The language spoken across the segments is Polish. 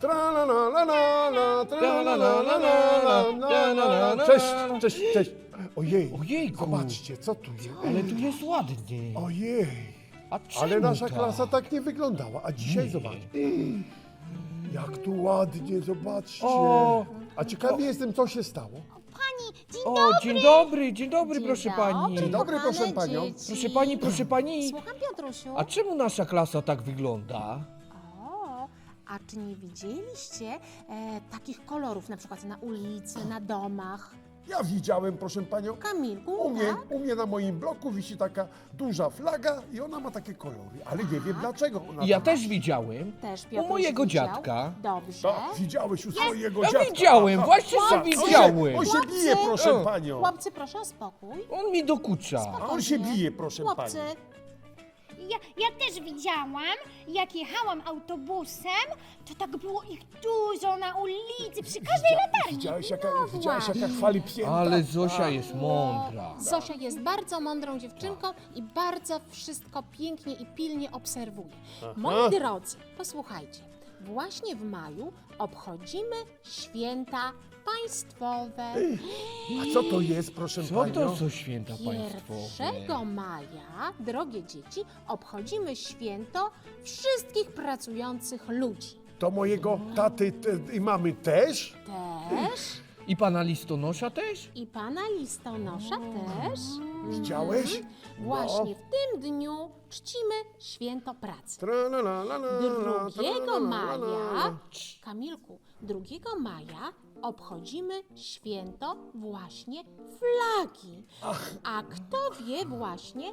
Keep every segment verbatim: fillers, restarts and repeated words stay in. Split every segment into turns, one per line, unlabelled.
Tra la la la la la, tra la la la la la la la. Cześć, cześć, cześć. Ojej,
Ojejku.
zobaczcie, co tu jest.
Ale tu jest ładnie.
Ojej,
A czemu
ale nasza
tak?
klasa tak nie wyglądała, a dzisiaj
Nie.
zobacz. Jak tu ładnie, zobaczcie.
O.
A ciekawy jestem, co się stało.
Pani, dzień
O,
dobry.
dzień dobry, dzień dobry,
Dzień
proszę
dobry,
pani.
Dzień dobry,
kochane
proszę panią.
dzieci.
Proszę pani, proszę pani.
Słucham, Piotrusiu.
A czemu nasza klasa tak wygląda?
O, a czy nie widzieliście e, takich kolorów na przykład na ulicy, na domach?
Ja widziałem, proszę panią,
Kamilku,
u mnie,
tak?
u mnie na moim bloku wisi taka duża flaga i ona ma takie kolory, ale nie wiem dlaczego ona
Ja
to ma.
też widziałem.
Też
U
Piotruś
mojego
widział?
dziadka.
Dobrze.
Tak, widziałeś u swojego
Ja
dziadka.
widziałem,
Aha.
właśnie
Tak,
że
on się-
widziałem.
On się
Chłopcy.
bije, proszę
O.
panią.
Chłopcy, proszę o spokój.
On mi dokucza.
A on się bije, proszę
Chłopcy,
pani.
Ja, ja też widziałam, jak jechałam autobusem, to tak było ich dużo na ulicy, przy każdej latarni.
Widziałeś, jaka,
No
widziałeś, jaka
właśnie.
chwali psięta?
Ale Zosia jest mądra.
Zosia jest bardzo mądrą dziewczynką i bardzo wszystko pięknie i pilnie obserwuje. Moi drodzy, posłuchajcie. Właśnie w maju obchodzimy święta państwowe.
A co to jest, proszę
Co
panią?
to są święta państwowe?
pierwszego maja, drogie dzieci, obchodzimy święto wszystkich pracujących ludzi.
To mojego taty te, i mamy też?
Też
I pana listonosza też?
i pana listonosza też.
Widziałeś?
Właśnie w tym dniu czcimy święto pracy.
Tra la la la la, tra la
drugiego
la la
maja,
la.
Kamilku, drugiego maja obchodzimy święto właśnie flagi. A kto wie właśnie,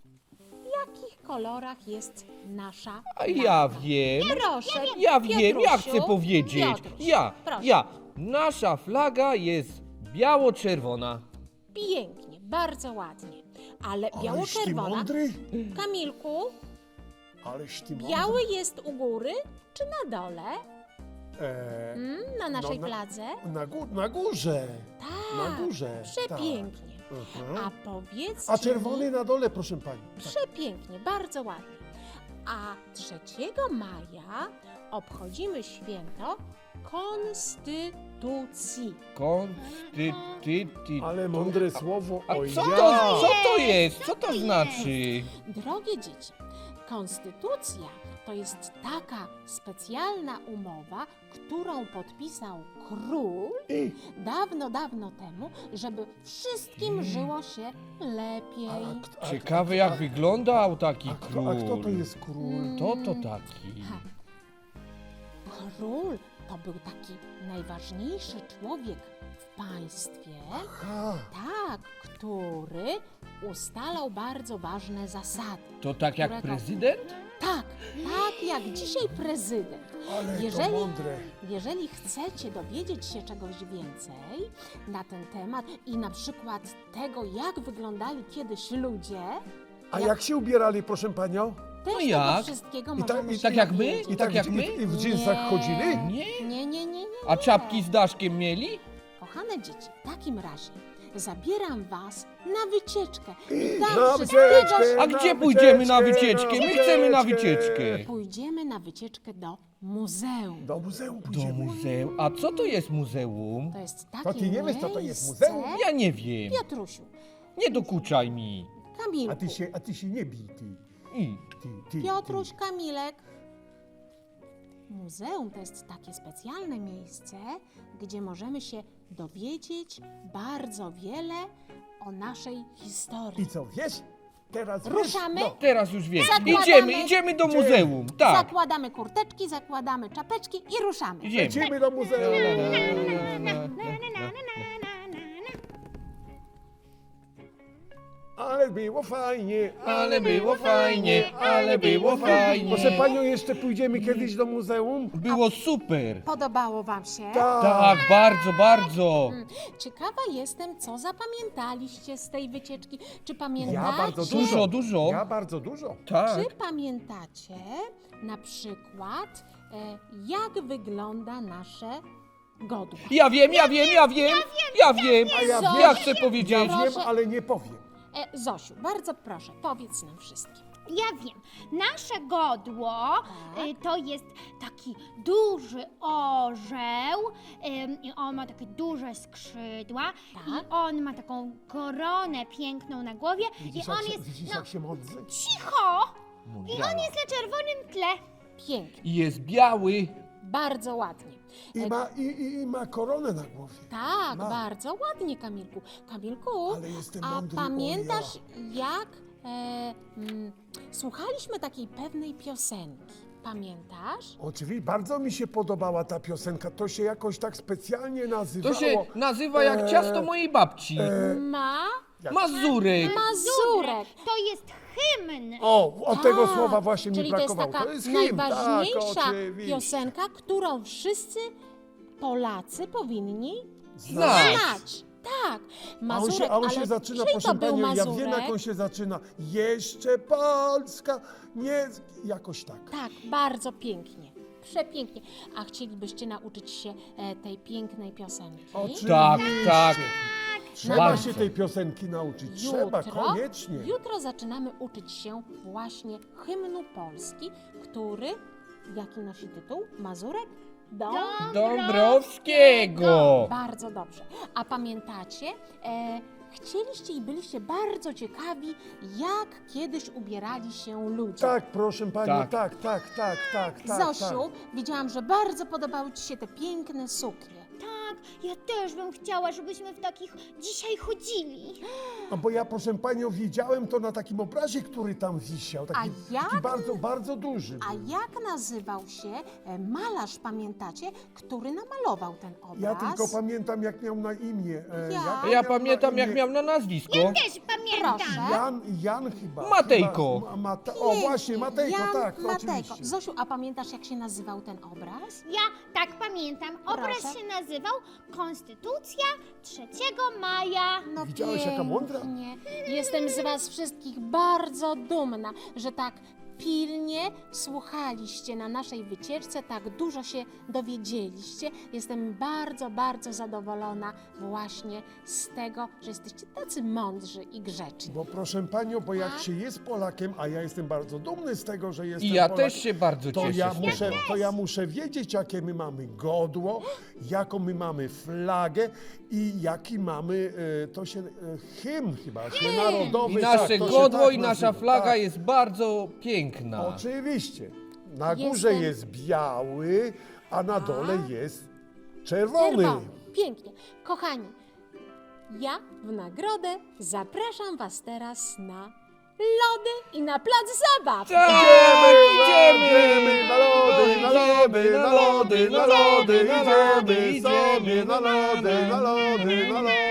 w jakich kolorach jest nasza
A ja wiem.
Proszę,
Ja wiem, ja
Piotrusiu,
chcę powiedzieć.
Piotruś,
Ja,
proszę.
ja. Nasza flaga jest biało-czerwona.
Pięknie, bardzo ładnie. Ale
Aleś ty
biało-czerwona.
mądry?
Kamilku,
Aleś ty mądry?
biały jest u góry czy na dole?
E,
Mm, na naszej
na-
fladze?
na, gó- na górze.
Tak,
Na górze.
przepięknie.
Tak. Mhm.
A powiedzcie
A czerwony
mi,
na dole, proszę pani.
przepięknie, bardzo ładnie. A trzeciego maja obchodzimy święto Konstytucji.
Konstytucji.
Ale mądre słowo.
A
Oj,
co
ja.
to, co to jest? Co to znaczy?
Drogie dzieci, konstytucja to jest taka specjalna umowa, którą podpisał król
I,
dawno, dawno temu, żeby wszystkim żyło się lepiej.
a, kto- a,
Ciekawe jak wyglądał taki
a, kto,
król.
a kto to jest król?
To to taki.
Ha. Król to był taki najważniejszy człowiek w państwie,
Aha.
tak, który ustalał bardzo ważne zasady.
To tak jak
Którego-
prezydent?
Tak, tak jak dzisiaj prezydent.
Ale to
Jeżeli,
mądre.
jeżeli chcecie dowiedzieć się czegoś więcej na ten temat i na przykład tego, jak wyglądali kiedyś ludzie,
A jak się ubierali, proszę panią?
też
No
tego
jak?
wszystkiego
I tak-
możemy
i
się
tak jak my?
dowiedzieć.
I tak jak
w-
my?
I, i w dżinsach
Nie.
chodzili?
Nie?
Nie, nie, nie, nie.
A
nie.
czapki z daszkiem mieli?
Kochane dzieci, w takim razie zabieram was na wycieczkę. I
Na
tam
wycieczkę!
wszystkiego
A
Na
gdzie pójdziemy na
wycieczkę,
wycieczkę?
na
My chcemy na
wycieczkę.
wycieczkę.
pójdziemy na wycieczkę do muzeum.
Do muzeum
Do
pójdziemy.
muzeum. A co to jest muzeum?
To jest takie
To ty nie wiesz, co to jest
miejsce-
muzeum?
Ja nie wiem.
Piotrusiu,
Nie dokuczaj mi.
Kamilku,
A ty się, a ty się nie bij, ty.
I.
ty, ty
Piotruś, Kamilek. Muzeum to jest takie specjalne miejsce, gdzie możemy się dowiedzieć bardzo wiele o naszej
Ty.
historii.
I co, wiesz? Teraz wiesz?
Ruszamy?
No.
Teraz już wiem.
Zakładamy-
Idziemy, idziemy do
Idziemy.
muzeum. Tak.
Zakładamy kurteczki, zakładamy czapeczki i ruszamy.
Idziemy.
Lecimy do muzeum. Ale było fajnie.
Ale było fajnie, ale było fajnie.
Proszę panią, jeszcze pójdziemy kiedyś do muzeum?
Było super.
Podobało wam się?
Tak, bardzo, bardzo.
Ciekawa jestem, co zapamiętaliście z tej wycieczki. Czy
Ja
pamiętacie?
bardzo dużo.
Dużo, dużo.
Ja bardzo dużo.
Tak.
Czy pamiętacie na przykład, e, jak wygląda nasze godło?
Ja wiem, ja wiem, ja wiem. Ja wiem.
A ja
Zosiu,
Ja
wiem.
chcę powiedzieć.
Ja wiem,
Proszę.
ale nie powiem.
E, Zosiu, bardzo proszę, powiedz nam wszystkim.
ja wiem. Nasze godło
Tak.
y, to jest taki duży orzeł ym, i on ma takie duże skrzydła
Tak.
i on ma taką koronę piękną na głowie
Widzisz,
i on
jak się,
jest,
widzisz
no
jak się modlę?
cicho! I
Mądrala.
on jest na czerwonym tle.
Pięknie,
I jest biały.
bardzo ładnie.
I ma, i, i, i ma koronę na głowie.
Tak,
Ma.
bardzo ładnie, Kamilku. Kamilku,
Ale jestem
a
mądry,
pamiętasz, jak e, mm, słuchaliśmy takiej pewnej piosenki? Pamiętasz?
Oczywiście, bardzo mi się podobała ta piosenka. To się jakoś tak specjalnie nazywało.
To się nazywa jak
Eee,
ciasto mojej babci.
Ma
Mazurek.
Mazurek.
To jest hymn.
O, od tego
Tak,
słowa właśnie mi
czyli to jest
brakowało.
taka
To jest hymn,
najważniejsza
tak, oczywiście.
piosenka, którą wszyscy Polacy powinni
Znać.
znać. Tak,
A on
Mazurek,
się, a on się
ale
zaczyna,
czyj
proszę
to był
panią, ja
Mazurek?
wiem jak on się zaczyna. Jeszcze Polska, nie... Jakoś tak.
Tak, bardzo pięknie, przepięknie. A chcielibyście nauczyć się e, tej pięknej piosenki?
Oczywiście.
Tak, tak.
Trzeba
Bardzo.
się tej piosenki nauczyć. Trzeba, koniecznie.
Jutro zaczynamy uczyć się właśnie hymnu Polski, który, jaki nosi tytuł? Mazurek? Dom?
Dąbrowskiego.
Bardzo dobrze. A pamiętacie, e, chcieliście i byliście bardzo ciekawi, jak kiedyś ubierali się ludzie.
Tak, proszę panią,
Tak.
tak, tak, tak, tak, tak.
Zosiu,
tak.
widziałam, że bardzo podobały ci się te piękne suknie.
Tak, ja też bym chciała, żebyśmy w takich dzisiaj chodzili.
No bo ja, proszę panią, widziałem to na takim obrazie, który tam wisiał. Taki,
A jak?
taki bardzo, bardzo duży.
A jak nazywał się e, malarz, pamiętacie, który namalował ten obraz?
Ja tylko pamiętam, jak miał na imię. E,
Ja?
jak
Ja
miał
pamiętam
na
jak
imię?
miał na nazwisko.
Też pamiętam.
Proszę.
Jan, Jan chyba.
Matejko.
Chyba, ma, Mate, o właśnie, Matejko,
Jan
tak,
Matejko.
oczywiście.
Zosiu, a pamiętasz, jak się nazywał ten obraz?
Ja tak pamiętam. Obraz
Proszę.
się nazywał Konstytucja trzeciego maja.
No
Widziałeś, jaka mądra?
pięknie. Jestem z was wszystkich bardzo dumna, że tak pilnie słuchaliście na naszej wycieczce, tak dużo się dowiedzieliście. Jestem bardzo, bardzo zadowolona właśnie z tego, że jesteście tacy mądrzy i grzeczni.
Bo proszę panią, bo jak
Tak?
się jest Polakiem, a ja jestem bardzo dumny z tego, że jestem
I ja
Polakiem,
też się bardzo
to
cieszę.
ja,
z
muszę,
tego.
to ja muszę wiedzieć, jakie my mamy godło, jaką my mamy flagę i jaki mamy, e, to się, e, hymn chyba, się narodowy.
I
tak,
nasze
to się
godło
tak
i nasza
nazywa,
flaga
tak.
jest bardzo piękna.
Oczywiście. Na górze
Jestem-
jest biały, a na dole jest czerwony.
Czerwony. Pięknie. Kochani, ja w nagrodę zapraszam was teraz na lody i na plac zabaw.
Tak,
Idziemy na lody, na lody, na lody, na lody, idziemy sobie na lody, na lody, na lody.